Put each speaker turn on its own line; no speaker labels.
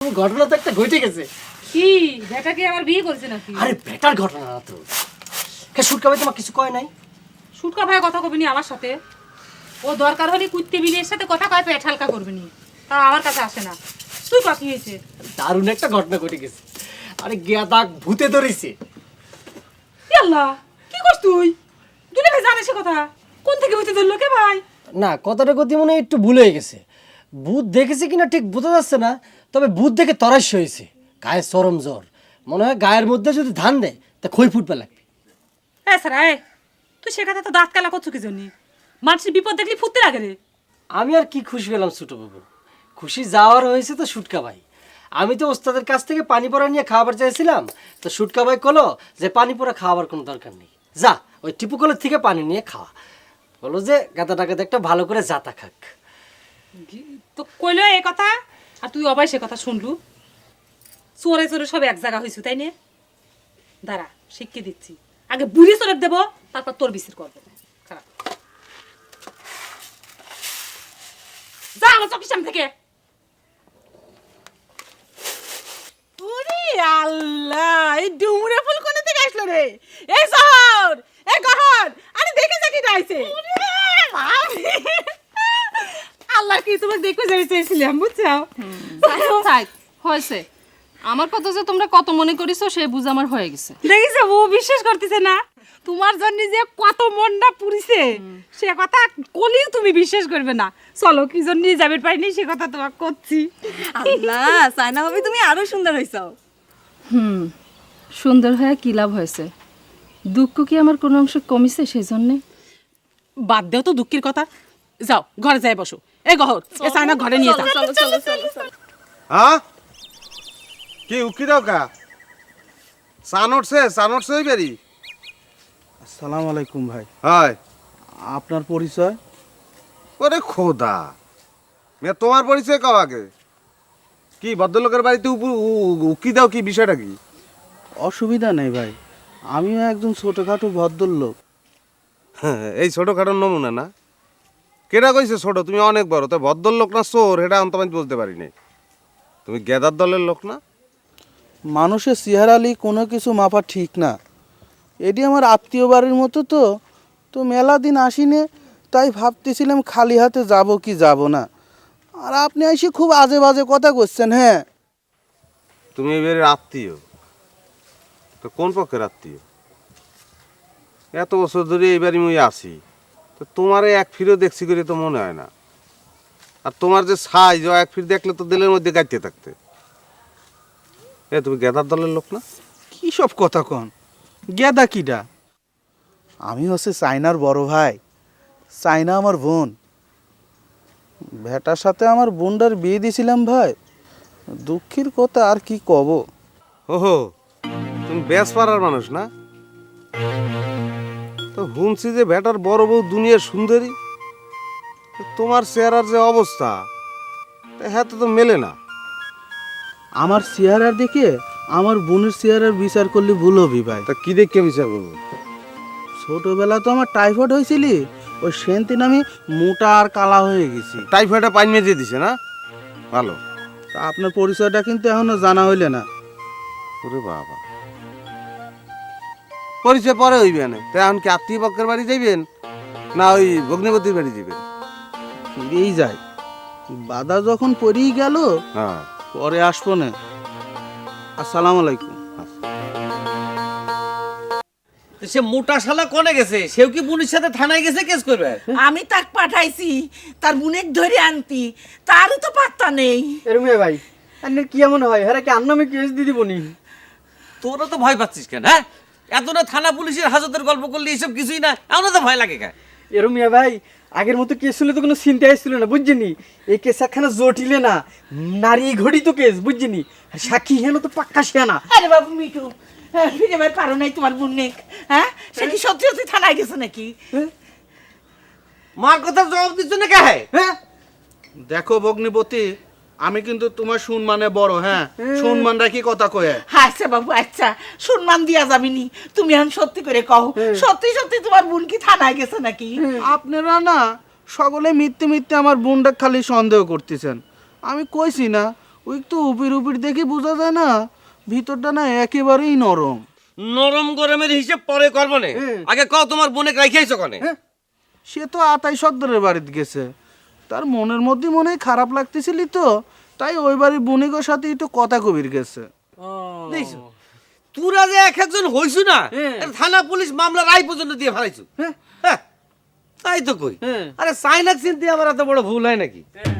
ঘটনা তো একটা ঘটে গেছে।
কি বেটা কি আমার বিয়ে করছে নাকি?
আরে বেটার ঘটনা না তো। কে সুটকা ভাই তোমার কিছু কয় নাই?
সুটকা ভাই কথা কবিনি আমার সাথে। ও দরকার হলে কুত্তে বিলের সাথে কথা কয় পেট হালকা করবি নি, তা আমার কাছে আসে না। তুই কি হয়েছে?
দারুণ একটা ঘটনা ঘটে গেছে। আরে গেদা ভূতে ধরেছে।
আল্লাহ, কি করছ তুই? দুলে ভাই জানে সে কথা? কোন থেকে হইতে ধরলো কে ভাই?
না, কথাটা গতি মনে হয় একটু ভুল হয়ে গেছে। ভূত দেখেছে কিনা ঠিক বোঝা যাচ্ছে না, তবে ভূত দেখে তরাস হয়েছে। গায়ে চরম জ্বর, মনে হয় গায়ের মধ্যে যদি ধান দেয় তা খই ফুটবে লাগবে।
হ্যাঁ স্যার, তুই সে কথা তো দাঁত কালা করছো কি জন্য? মানুষের বিপদ দেখলি ফুটতে লাগে রে।
আমি আর কি খুশি হলাম ছোট বাবু, খুশি যাওয়ার হয়েছে তো সুটকা ভাই। আমি তো ওস্তাদের কাছ থেকে পানি পড়া নিয়ে খাবার চাইছিলাম, তো সুটকা ভাই কলো যে পানি পড়া খাওয়ার কোনো দরকার নেই, যা ওই টিপু কলের থেকে পানি নিয়ে খাওয়া। বলো যে গাদা টাকাতে একটা ভালো করে জাতা খাক।
তো কইলো এই কথা, আর তুই অবাই সে কথা শুনলু। চোরে চোরে সব এক জায়গা হয়েছে, তাই নে? দাঁড়া, শিখিয়ে দিচ্ছি। আগে বুড়ি চোরে দেবো, তারপর তোর বিচার করবো। খারাপ যা আমার চোখের সামনে থেকে।
ওরে আল্লাহ, এই ডুমুরে ফুল কোন থেকে আসলো রে? এই শহর, এই গহর, আরে দেখে যা কি ডাইছে। আল্লাহ কি তোমাকে দেখে যাই চেয়েছিলাম, বুঝছো?
থাক হয়েছে, আমার কথা যে তোমরা কত মনে করিছো সে বুঝ আমার হয়ে গেছে।
দেখিছো ও বিশ্বাস করতেছে না, তোমার জন্য যে কত মনটা পুরিছে সে কথা কলিও তুমি বিশ্বাস করবে না। চলো কি জন্য যাবে পাইনি সে কথা তোমাকে করছি।
আল্লাহ, সাইনা ভাবি তুমি আরো সুন্দর হইছো।
সুন্দর হয়ে কি লাভ হয়েছে? দুঃখ কি আমার কোনো অংশ কমিছে সেই জন্যে?
বাদ দাও তো দুঃখের কথা, যাও ঘরে যাই বসো। এই গহর, এ সাইনা ঘরে নিয়ে যাও।
হ্যাঁ কি উকি দাও কা সানটছে বেরি।
আসসালামু আলাইকুম ভাই।
হয়
আপনার পরিচয়?
ওরে খোদা, মেয়ে তোমার পরিচয় কাও আগে। কি ভদ্রলোকের বাড়িতে উকি দাও, কি বিষয়টা কি?
অসুবিধা নেই ভাই, আমিও একজন ছোটোখাটো ভদ্রলোক।
হ্যাঁ, এই ছোটোখাটোর নমুনা না? কেটা কইছে ছোট? তুমি অনেক বড়। তো ভদ্রলোক না চোর এটা আমি তোমায় বলতে পারি নাই। তুমি গেদার দলের লোক না?
মানুষের চেহারালি কোনো কিছু মাপা ঠিক না। এটি আমার আত্মীয় বাড়ির মতো, তো মেলা দিন আসিনে, তাই ভাবতেছিলাম খালি হাতে যাব কি যাব না। আর আপনি এসে খুব আজে বাজে কথা করছেন। হ্যাঁ,
তুমি এবারে আত্মীয় তো কোন পক্ষের আত্মীয়? এত বছর ধরে এইবারই মুই আসি, তো তোমার এক ফিরেও দেখছি করে তো মনে হয় না। আর তোমার যে সাইজ, এক ফির দেখলে তো দিলের মধ্যে গাইতে থাকতে। তুমি গেদার দলের লোক না?
কী সব কথা কন? গেদা কিডা? আমি হচ্ছে চাইনার বড় ভাই, চাইনা আমার বোন। ভেটার সাথে আমার বোনটার বিয়ে দিয়েছিলাম ভাই। দুঃখের কথা আর কি কব।
ওহো, তুমি বেশ পাড়ার মানুষ না? তো শুনছি যে ভেটার বড় বউ দুনিয়ার সুন্দরী। তোমার চেহারার যে অবস্থা, হ্যাঁ তো মেলে না।
আমার চেহারার দেখে আমার বোনের চেহারার বিচার করলে ভুল হবি ভাই।
তা কি দেখে বিচার করবো?
ছোটবেলা তো আমার টাইফয়েড হয়েছিল, ওই সেদিন আমি মোটা আর কালা হয়ে গেছি।
টাইফয়েডে পানি মেজে দিছে না? ভালো।
তা আপনার পরিচয়টা কিন্তু এখনো জানা হইলে না।
ওরে বাবা, পরিচয় পরে হইবে না। তো এখন কি আত্মীয় পক্ষের বাড়ি যাইবেন না ওই ভগ্নিপতির বাড়ি যাবেন?
ফিরেই যায়, বাধা যখন পড়েই গেল
হ্যাঁ,
পরে আসবো না। আসসালামু আলাইকুম।
সে মোটা শালা কোনে গেছে? সেও কি পুলিশের সাথে থানায় গেছে কেস করবে?
আমি তাক পাঠাইছি তার বুনেক ধরে আনতি, তারও তো পাত্তা নেই।
এরমে ভাই, আপনার কি এমন হয়? হ্যাঁ কি আন্নামে কেস দিয়ে দিবনি?
তোরা তো ভয় পাচ্ছিস কেন? হ্যাঁ, এত না থানা পুলিশের হাজতের গল্প করলে এইসব কিছুই না, এমন তো ভয় লাগে কেন?
এরমিয়া ভাই, আগের মতো কেস হলে তো কোনো চিন্তা আসছিল না, বুঝছিনি? এই কেস একখানা জটিলে না, নারী ঘড়ি তো কেস, বুঝছিনি? সাক্ষী হেন তো পাক্কা শিয়ানা।
আরে বাবু মিঠু, ফিরে ভাই পারো নাই তোমার বুনেক? হ্যাঁ, সে কি সত্যি সত্যি থানায় গেছে নাকি?
মার কথা জবাব দিচ্ছ না কে?
হ্যাঁ,
দেখো ভগ্নিপতি, আমি কিন্তু তোমার সম্মানে বড়। হ্যাঁ, সম্মান রাখি কথা কয়ে।
আচ্ছা বাবু, আচ্ছা সম্মান দিয়া যাবিনি। তুমি এখন সত্যি করে কও, সত্যি সত্যি তোমার বোন কি থানায় গেছে নাকি?
আপনারা না সকলে মিথ্যে মিথ্যে আমার বোনটা খালি সন্দেহ করতেছেন। আমি কইছি না ওই তো উপির উপির দেখে বোঝা যায় না ভিতরটা না একেবারেই নরম।
নরম গরমের হিসেব পরে করবো না, আগে কও তোমার বোনে রাখিয়েছো কনে?
সে তো আতাই সর্দারের বাড়িতে গেছে, তার মনের মধ্যে মনে হয় খারাপ লাগতেছিলি তো, তাই ওই বাড়ির বণিকের সাথে একটু কথা কবির গেছে।
দেখছো তোরা যে এক একজন হইছু না, থানা পুলিশ মামলা রায় পর্যন্ত দিয়ে ফেলাইছু। হ্যাঁ, তাই তো কই। আরে সাইনাক চিনতে আমার এত বড় ভুল হয় নাকি?